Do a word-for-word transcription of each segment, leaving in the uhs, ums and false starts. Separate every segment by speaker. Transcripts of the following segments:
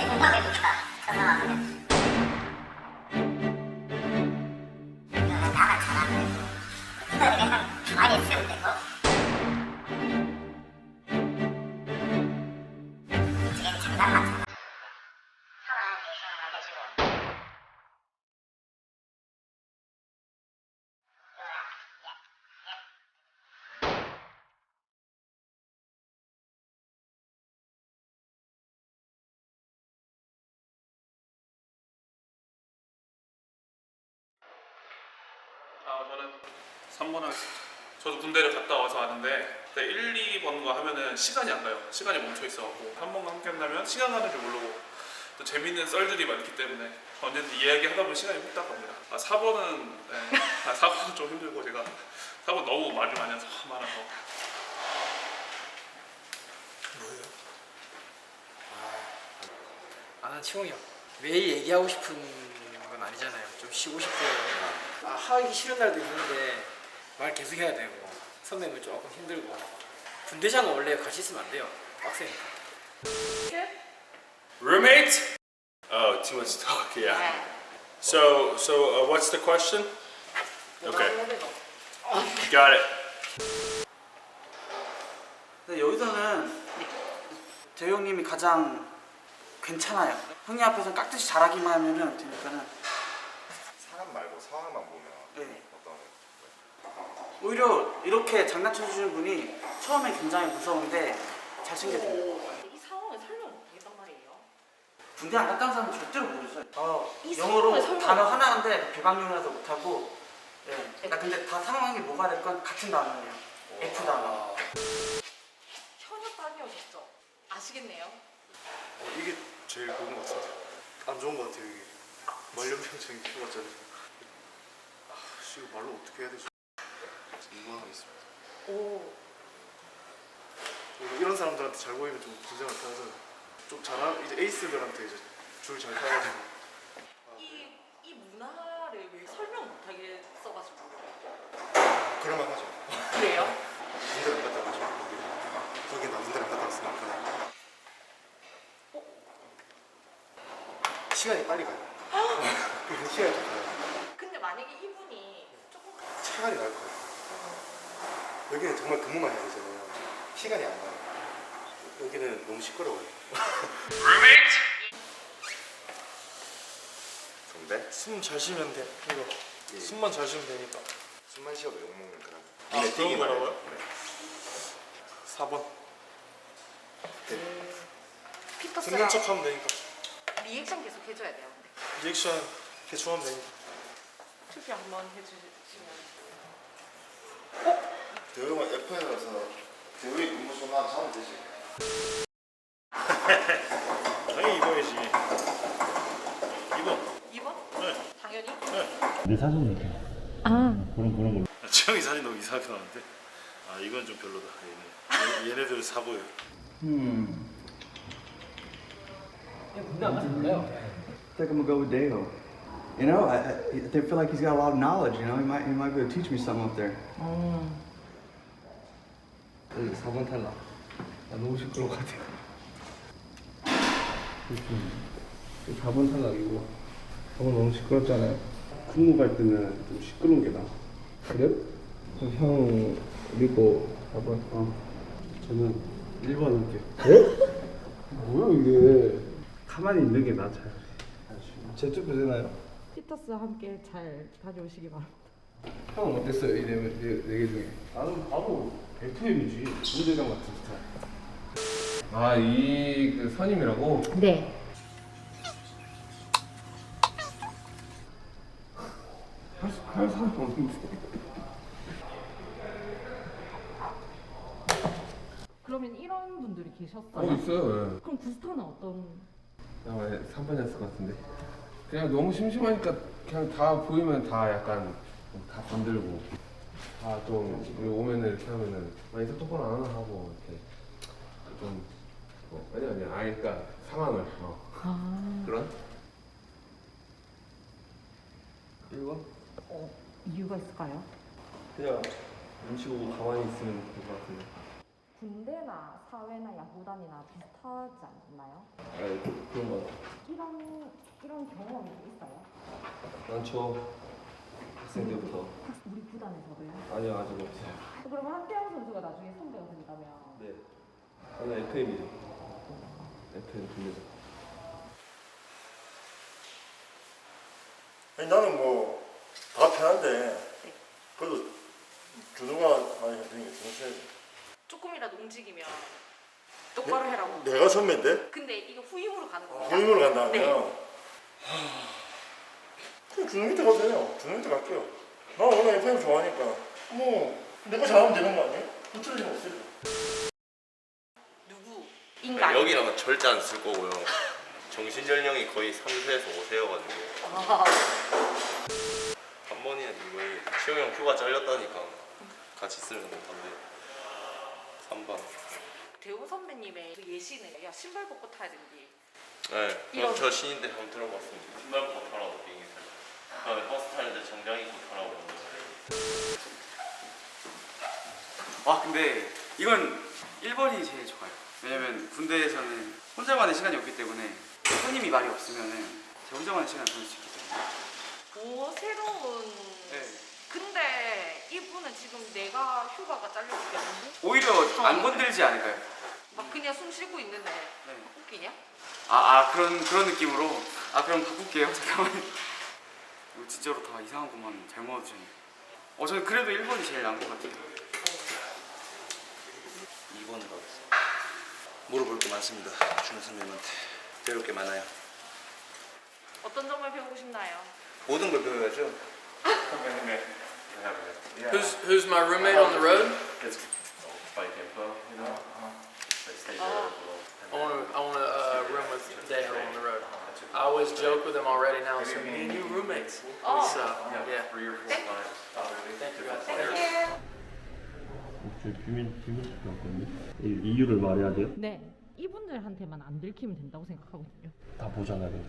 Speaker 1: 공부하니까 저 상황은 나만 잘하면 그냥 많이 쓰면 되고 지금 장난 많잖아. 상황 대상을 알려주고
Speaker 2: 아, 저는 삼 번 하겠습니다. 저도 군대를 갔다 와서 아는데 일, 이 번거 하면은 시간이 안 가요. 시간이 멈춰 있어갖고 한 번과 함께 한다면 시간 가는 줄 모르고 또 재밌는 썰들이 많기 때문에 언제든지 이야기 하다 보면 시간이 후딱 갑니다. 아, 사 번은 네. 아, 사 번은 좀 힘들고 제가 사 번 너무 말을 많이 해서 많아서.
Speaker 3: 뭐예요?
Speaker 4: 아, 난 치홍이 형. 매일 얘기하고 싶은 건 아니잖아요. 좀 쉬고 싶고. 아, 하기 싫은 날도 있는데 말 계속 해야 되고 선배님은 조금 힘들고. 분대장은 원래 같이 있으면 안 돼요. 빡세니까.
Speaker 3: Roommate? Oh, too much talk. Yeah. So, so uh, what's the question? Okay. Got it.
Speaker 5: 근데 여기서는 재호 형님이 가장 괜찮아요. 형님 앞에서 깍듯이 잘하기만 하면은 되니까는
Speaker 6: 사람 말고 상황만 보면
Speaker 5: 네.
Speaker 6: 어떤
Speaker 5: 오히려 이렇게 장난쳐 주시는 분이 처음에 굉장히 무서운데 잘 챙겨줘요.
Speaker 7: 이 상황을 설명 못하겠단 말이에요.
Speaker 5: 군대 안 갔다 온 사람은 절대로 모르죠. 어,
Speaker 7: 이
Speaker 5: 영어로
Speaker 7: 상황을 설명-
Speaker 5: 단어 하나인데 비방용이라서 못하고. 예. 나 근데 다 상황이 뭐가 됐건 같은 단어예요. F 단어.
Speaker 7: 현역 딸이어졌죠. 아시겠네요.
Speaker 6: 어, 이게 제일 좋은 것 같은데. 안 좋은 것 같아요 이게. 말년평생 키워봤잖아요. 아, 씨 이거 말로 어떻게 해야 되지? 이거 하나 있습니다.
Speaker 7: 오.
Speaker 6: 이거 이런 사람들한테 잘 보이면 좀 긴장을 타잖아요. 좀 잘한 이제 에이스들한테 이제 줄 잘 타가지고.
Speaker 7: 이, 이 문화를 왜 설명 못하게 써가지고.
Speaker 6: 그럴만 하죠.
Speaker 7: 그래요?
Speaker 6: 군대를 안 갔다 와가지고 거기 거기 나 군대를 안 갔다 왔으니까. 시간이 빨리 가요. 시간이 좀 가요.
Speaker 7: 근데 만약에 이분이 조금
Speaker 6: 차라리 나을 것 같아요. 여기는 정말 근무만 해야 되잖아요. 시간이 안 가요. 여기는 너무 시끄러워요. 정대?
Speaker 3: 숨 잘 쉬면 돼. 이거.
Speaker 6: 예.
Speaker 3: 숨만 잘 쉬면 되니까.
Speaker 6: 숨만 쉬어도 욕먹는 그런.
Speaker 3: 아,
Speaker 6: 눈에
Speaker 3: 그런
Speaker 6: 띄기만 해요.
Speaker 3: 거라고요?
Speaker 6: 네.
Speaker 3: 사 번.
Speaker 7: 피터스랑
Speaker 3: 듣는 척 하면 되니까.
Speaker 7: 리액션 계속 해줘야 돼요. 근데
Speaker 3: 리액션 대충 하면 되니까.
Speaker 7: 투표 한번 해주시면.
Speaker 6: 대우가 에프에 가서 대우의 근무 소나 사면 되지.
Speaker 3: 당연히 이거야지. 이거.
Speaker 7: 이 번?
Speaker 3: 네.
Speaker 7: 당연히?
Speaker 8: 내 사진 이렇게
Speaker 7: 아.
Speaker 8: 그런 그런 걸로.
Speaker 3: 지영이 사진 너무 이상하게 나왔는데. 아 이건 좀 별로다. 얘네. 얘- 얘네들 사고예요.
Speaker 8: 음.
Speaker 4: 군대 안 가서 몰라요.
Speaker 8: I think I'm gonna go with Dale. You know, I, I, I feel like he's got a lot of knowledge. You know, he might he might be able to teach me something up there.
Speaker 9: 여기 사 번 탈락. 나 너무 시끄러워 같아. 사 번 탈락이고. 사 번 너무 시끄럽잖아요. 근무 갈 때는 좀 시끄러운 게 나아. 그래요? 그럼 형 믿고 사 번. 어. 저는 일 번 할게. 에? 뭐야 이게? 가만히 있는 게 나 잘. 제 투표 되나요?
Speaker 10: 피터스와 함께 잘 다녀오시기 바랍니다.
Speaker 9: 형 어땠어요? 이네개 중에? 나는 바로 에프엠이지. 군대장 같은 스타일. 아, 이 그 선임이라고?
Speaker 10: 네.
Speaker 9: 할, 수- 할 사람 없는데.
Speaker 10: 그러면 이런 분들이 계셨어요?
Speaker 9: 어, 있어요.
Speaker 10: 그럼 구스타는 어떤?
Speaker 9: 예. 아마 삼 번이었을 것 같은데. 그냥 너무 심심하니까 그냥 다 보이면 다 약간 다 건들고 다 좀 오면은 이렇게 하면은 아 인사 똑바로 안 하나 하고 이렇게 좀 뭐, 아니 아니 아니 그러니까 상황을 어.
Speaker 10: 아.
Speaker 9: 그런 이거
Speaker 10: 어, 이유가 있을까요?
Speaker 9: 그냥 눈치 보고 가만히 있으면 될 것 같은데
Speaker 10: 군대나 사회나 야구단이나 비슷하지 않나요?
Speaker 9: 아, 그런 거 같아.
Speaker 10: 이런 이런 경험이 있어요?
Speaker 9: 많죠. 학생 때부터.
Speaker 10: 우리 구단에서도요?
Speaker 9: 아니요, 아직 없어요.
Speaker 10: 그러면 한태영 선수가 나중에 선배가 된다면
Speaker 9: 네. 저는 에프엠이죠. 에프엠 군대죠.
Speaker 6: 아니, 나는 뭐 다 편한데 그래도 준호가 많이 힘드니까 준호 써야지.
Speaker 7: 조금이라도 움직이면 똑바로 해라고.
Speaker 6: 내가 선배인데?
Speaker 7: 근데 이거 후임으로 가는 거예요.
Speaker 6: 후임으로 간다면
Speaker 7: 네.
Speaker 6: 그럼 준호 밑에 가도 돼요. 준호 밑에 갈게요. 나 원래 에프엠 좋아하니까 뭐 내가 잘하면 되는 거 아니에요? 붙을 일 없어요.
Speaker 7: 누구? 인간.
Speaker 3: 여기랑은 절대 안 쓸 거고요. 정신연령이 거의 삼 세에서 오 세여가지고
Speaker 7: 아,
Speaker 3: 한 번이야 이거에 시영 형 휴가 잘렸다니까 같이 쓰면 못한대. 삼 번.
Speaker 7: 대호 선배님의 그 예시는 야 신발 벗고 타야 된디.
Speaker 3: 네,
Speaker 7: 이런-
Speaker 3: 저 신인데 한번 들어봤습니다. 신발 벗고 타라고 비행기 타고. 그다음에 버스 타는데 정장 입고 타라고.
Speaker 5: 아 근데 이건 일 번이 제일 좋아요. 왜냐면 군대에서는 혼자만의 시간이 없기 때문에 손님이 말이 없으면은 제가 혼자만의 시간을 보낼 수 있기 때문에.
Speaker 7: 오 새로운.
Speaker 5: 네.
Speaker 7: 근데 이분은 지금 내가 휴가가 잘렸기 때문에
Speaker 5: 오히려 안 건들지 않을까요?
Speaker 7: 막 그냥 숨 쉬고 있는데
Speaker 5: 네.
Speaker 7: 웃기냐?
Speaker 5: 아, 아 그런 그런 느낌으로. 아 그럼 바꿀게요. 잠깐만. 이거 진짜로 다 이상한 것만 잘못 얻으셨네. 어 저는 그래도 일 번이 제일 나은 것 같아요.
Speaker 11: 이 번으로 가겠습니다. 물어볼 게 많습니다. 준호 선배님한테 배울 게 많아요.
Speaker 7: 어떤 점을 배우고 싶나요?
Speaker 11: 모든 걸 배워야죠.
Speaker 3: 선배님의
Speaker 4: Who's who's my roommate on the road?
Speaker 3: Spike info, you know. They stay there.
Speaker 4: I want to I want to uh, room with Dale on the road. I always joke with him already now. So me and you roommates.
Speaker 7: Oh.
Speaker 4: So yeah.
Speaker 3: Three or four times.
Speaker 4: Thank you guys.
Speaker 7: 땡큐.
Speaker 9: 저 비밀 비밀 수가 없거든요. 이유를 말해야 돼요?
Speaker 10: 네. 이분들한테만 안 들키면 된다고 생각하거든요.
Speaker 9: 다 보잖아 근데.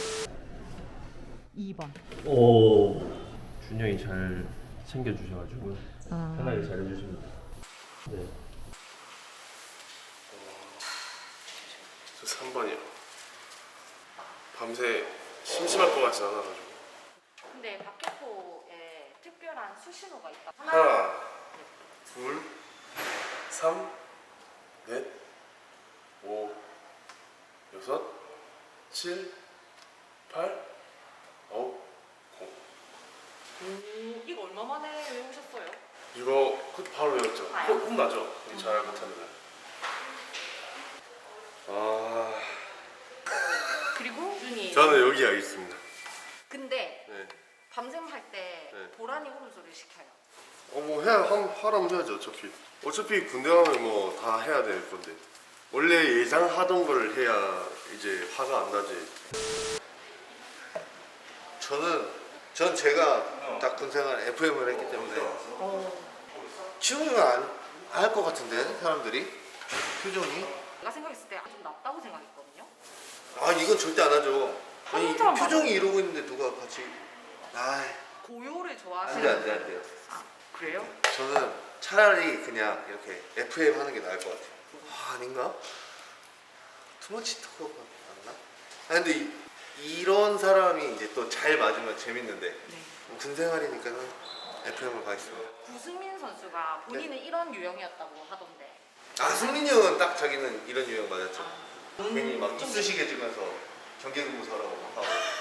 Speaker 10: 이 번.
Speaker 9: 오. 준영이 잘 챙겨주셔가지고
Speaker 10: 아.
Speaker 9: 편하게 잘해주십니다. 네.
Speaker 6: 저 삼 번이요. 밤새 심심할 것 같진 않아가지고.
Speaker 7: 근데 박격포에 특별한 수신호가 있다.
Speaker 6: 하나, 둘, 삼, 넷, 오, 여섯, 칠, 팔, 아홉, 공.
Speaker 7: 음, 이거 얼마 만에 외우셨어요?
Speaker 6: 이거 그것도 바로 외웠죠?
Speaker 7: 아요?
Speaker 6: 혼- 혼나죠? 이거 잘 못하면. 아,
Speaker 7: 그리고 준이.
Speaker 6: 저는 여기가 있습니다.
Speaker 7: 근데
Speaker 6: 네.
Speaker 7: 밤샘 할 때
Speaker 6: 네.
Speaker 7: 고라니 울음소리를 시켜요.
Speaker 6: 어, 뭐 해야 함, 하라면 해야죠. 어차피 어차피 군대 가면 뭐 다 해야 될 건데 원래 예상하던 걸 해야 이제 화가 안 나지.
Speaker 11: 저는 전 제가 딱 군생활 에프엠을 했기 때문에 지훈이가 알 것 같은데 사람들이 표정이.
Speaker 7: 내가 생각했을 때 좀 낫다고 생각했거든요.
Speaker 11: 아 이건 절대 안 하죠. 아니
Speaker 7: 하는 사람
Speaker 11: 표정이 이러고 있는데 누가 같이. 아
Speaker 7: 고요를
Speaker 11: 안돼
Speaker 7: 좋아하시는.
Speaker 11: 안돼 안돼요.
Speaker 7: 아, 그래요?
Speaker 11: 저는 차라리 그냥 이렇게 에프엠 하는 게 나을 것 같아요. 아, 아닌가? 투머치 토크가 맞나? 아 근데 이, 이런 사람이 이제 또 잘 맞으면 재밌는데
Speaker 7: 네.
Speaker 11: 군 생활이니까는 에프엠을 가겠습니다.
Speaker 7: 구승민 선수가 본인은 이런 유형이었다고 하던데.
Speaker 11: 아 승민이 형은 딱 자기는 이런 유형 맞았죠.
Speaker 7: 음,
Speaker 11: 괜히 막
Speaker 7: 좀-
Speaker 11: 이쑤시개 주면서 경계근무서라고 막 하고.